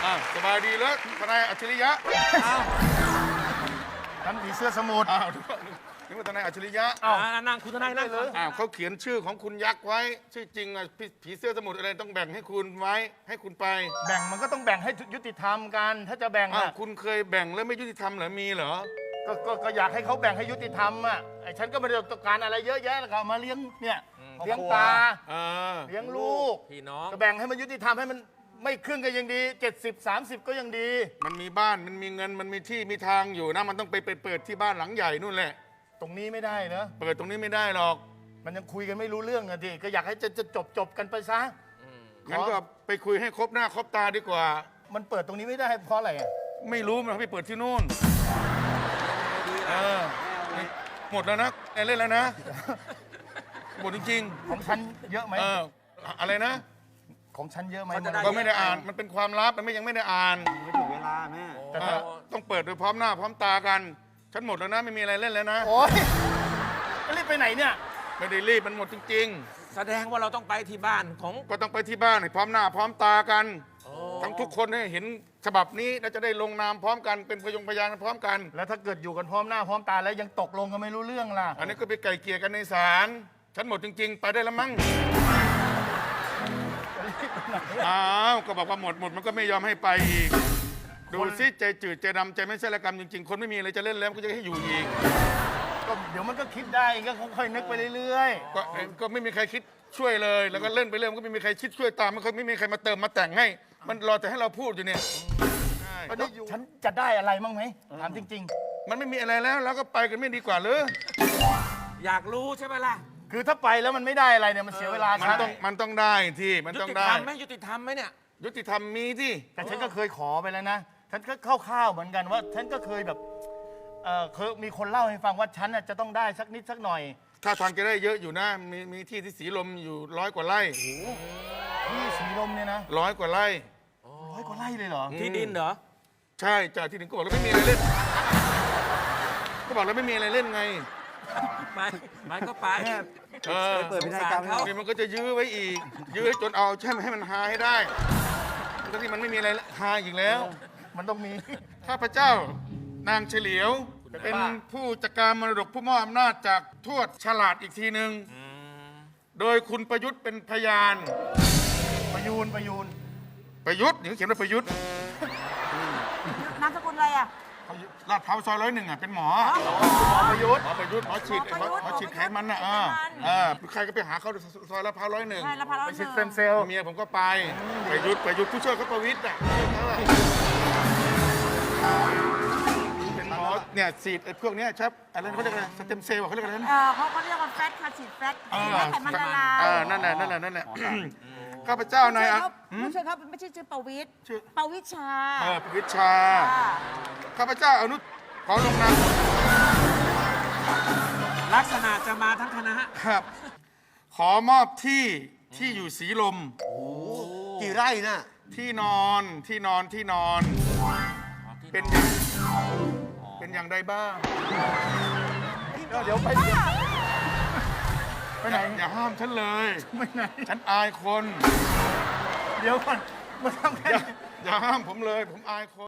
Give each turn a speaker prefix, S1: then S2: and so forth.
S1: สบายดีแล้วทนายอัจฉริยะ
S2: ท่านผีเสื้อสมุทร
S1: นึกว่าทนายอัจฉริยะ
S3: นั่งคุณทนายนั่งเลย
S1: เขาเขียนชื่อของคุณยักษ์ไว้ชื่อจริงผีเสื้อสมุทรอะไรต้องแบ่งให้คุณไว้ให้คุณไป
S2: แบ่งมันก็ต้องแบ่งให้ยุติธรรมกันถ้าจะแบ่งอ่ะ
S1: คุณเคยแบ่งแล้วไม่ยุติธรรมเหรอมีเหรอ
S2: ก็อยากให้เขาแบ่งให้ยุติธรรมอ่ะไอ้ฉันก็ไม่ได้ต้องการอะไรเยอะแยะแล้วก็มาเลี้ยงเนี่ยเลี้ยงปลาเลี้ยงลูก
S3: พี่น้อง
S2: ก็แบ่งให้มันยุติธรรมให้มันไม่ครึ่งก็ยังดี70-30ก็ยังดี
S1: มันมีบ้านมันมีเงินมันมีที่มีทางอยู่นะมันต้องไปเปิดที่บ้านหลังใหญ่นู่นแหละ
S2: ตรงนี้ไม่ได้เนอะ
S1: เปิดตรงนี้ไม่ได้หรอก
S2: มันยังคุยกันไม่รู้เรื่องอะดิก็อยากให้จะจบกันไปซะ
S1: งั้นก็ไปคุยให้ครบหน้าครบตาดีกว่า
S2: มันเปิดตรงนี้ไม่ได้เพราะอะไรอะ
S1: ไม่รู้มันไปเปิดที่นู่นหมดแล้วนะเล่นแล้วนะหมดจริง
S2: ๆของฉันเยอะไหม
S1: อะไรนะ
S2: ของฉันเยอะไหม
S1: ก็ไม่ได้อ่านมันเป็นความลับมันยังไม่ได้อ่าน
S4: ไม่ถึงเวลาแม่
S1: แต่ต้องเปิดโดยพร้อมหน้าพร้อมตากันฉันหมดแล้วนะไม่มีอะไรเล่นแล้วนะ
S2: โอ๊ยรีบไปไหนเนี่ย
S1: ไม่ได้รีบมันหมดจริง
S3: ๆแสดงว่าเราต้องไปที่บ้านของ
S1: ก็ต้องไปที่บ้านพร้อมหน้าพร้อมตากันทั้งทุกคนให้เห็นฉบับนี้แล้วจะได้ลงนามพร้อมกันเป็นพยานพร้อมกัน
S2: แล้วถ้าเกิดอยู่กันพร้อมหน้าพร้อมตาแล้วยังตกลงกันไม่รู้เรื่องล่ะ
S1: อันนี้ก็ไปไกลเกลี่ยกันในศาลฉันหมดจริงๆไปได้แล้วมั้งก็บอกว่าหมดมันก็ไม่ยอมให้ไปอีกดูซิใจจืดใจดำใจไม่ใช่ละกรรมจริงๆคนไม่มีอะไรจะเล่นแล้วก็จะให้อยู่อีก
S2: ก็เดี๋ยวมันก็คิดได้ก็ค่อยนึกไปเรื่อย
S1: ๆก็ไม่มีใครคิดช่วยเลยแล้วก็เล่นไปเรื่อยมันก็ไม่มีใครคิดช่วยตามมันก็ไม่มีใครมาเติมมาแต่งให้มันรอแต่ให้เราพูดอยู่เนี่ย
S2: ฉันจะได้อะไรมั้งไหมถามจริง
S1: ๆมันไม่มีอะไรแล้วเราก็ไปกันไม่ดีกว่าหรือ
S3: อยากรู้ใช่ไหมล่ะ
S2: คือถ้าไปแล้วมันไม่ได้อะไรเนี่ยมันเสียเวลา
S1: มันต้องได้ที่มันต้องได้
S3: ยุติธรรมไหมเนี่ย
S1: ยุติธรรมมีที่
S2: แต่ฉันก็เคยขอไปแล้วนะฉันก็คร่าวๆเหมือนกันว่าฉันก็เคยแบบเคยมีคนเล่าให้ฟังว่าฉันจะต้องได้สักนิดสักหน่อย
S1: ถ้าทางจะได้เยอะอยู่นะมีที่สีลมอยู่100 กว่าไร่
S2: ที่สีลมเนี่ยนะ
S1: 100 กว่าไร่
S2: 100 กว่าไร่เลยเหรอ
S3: ที่ดินเหรอ
S1: ใช่จากที่ดินก็บอกแล้วไม่มีอะไรเล่นก็บอกแล้วไม่มีอะไรเล่นไง
S3: ไปก็ไป
S4: เปิดพิธีกรรม
S1: นี่มันก็จะยื้อไว้อีกยื้อจนเอาใช่ไหมให้มันหาให้ได้ทั้งที่มันไม่มีอะไรหาอีกแล้ว
S2: มันต้องมี
S1: ข้าพเจ้านางเฉลียวเป็นผู้จัดการมรดกผู้มอบอำนาจจากทวดฉลาดอีกทีหนึ่งโดยคุณประยุทธ์เป็นพยาน
S2: ประยุทธ์
S1: นี่เขาเขียนว่าประยุทธ์
S5: นามสกุลอะไรอ่ะ
S1: ลาดพร้าวซอย101เป็นหมอ
S2: ประยุทธ์
S1: หมอฉีดไขมันน่ะใครก็ไปหาเขาซอยลาดพร้าว101
S5: ใช่ลาดพร้าว101
S2: ไปฉีดเซลล์
S1: เมียผมก็ไปประยุทธ์ผู้ช่วยเขาประวิตรอ่ะเป็นหมอเนี่ยฉีดพวกนี้ครับอะไรเขาเรียกอะไรสเต็มเซลล์เขาเรียกอะไรนะ
S5: เขาเรียกว่าแฟตค่ะฉีดแฟตให้ไขมันละลาย
S1: นั่นแหละข้าพเจ้านาย
S5: ไม่ใช่ครับไม่ใช่ชื่อประวิตรประวิชา
S1: ประวิชาข้าพเจ้าอนุขอลงนาม
S3: ลักษณะจะมาทั้งคณะ
S1: ครับขอมอบที่อยู่สีลม
S4: กี่ไร่น่ะ
S1: ที่นอนเป็นอย่างใดบ้าง
S2: เดี๋ยวไปไหน
S1: อย่าห้ามฉันเลย
S2: ไม่ไหน
S1: ฉันอายคน
S2: เดี๋ยวก่อนมาทำแค่
S1: อย่าห้ามผมเลยผมอายคน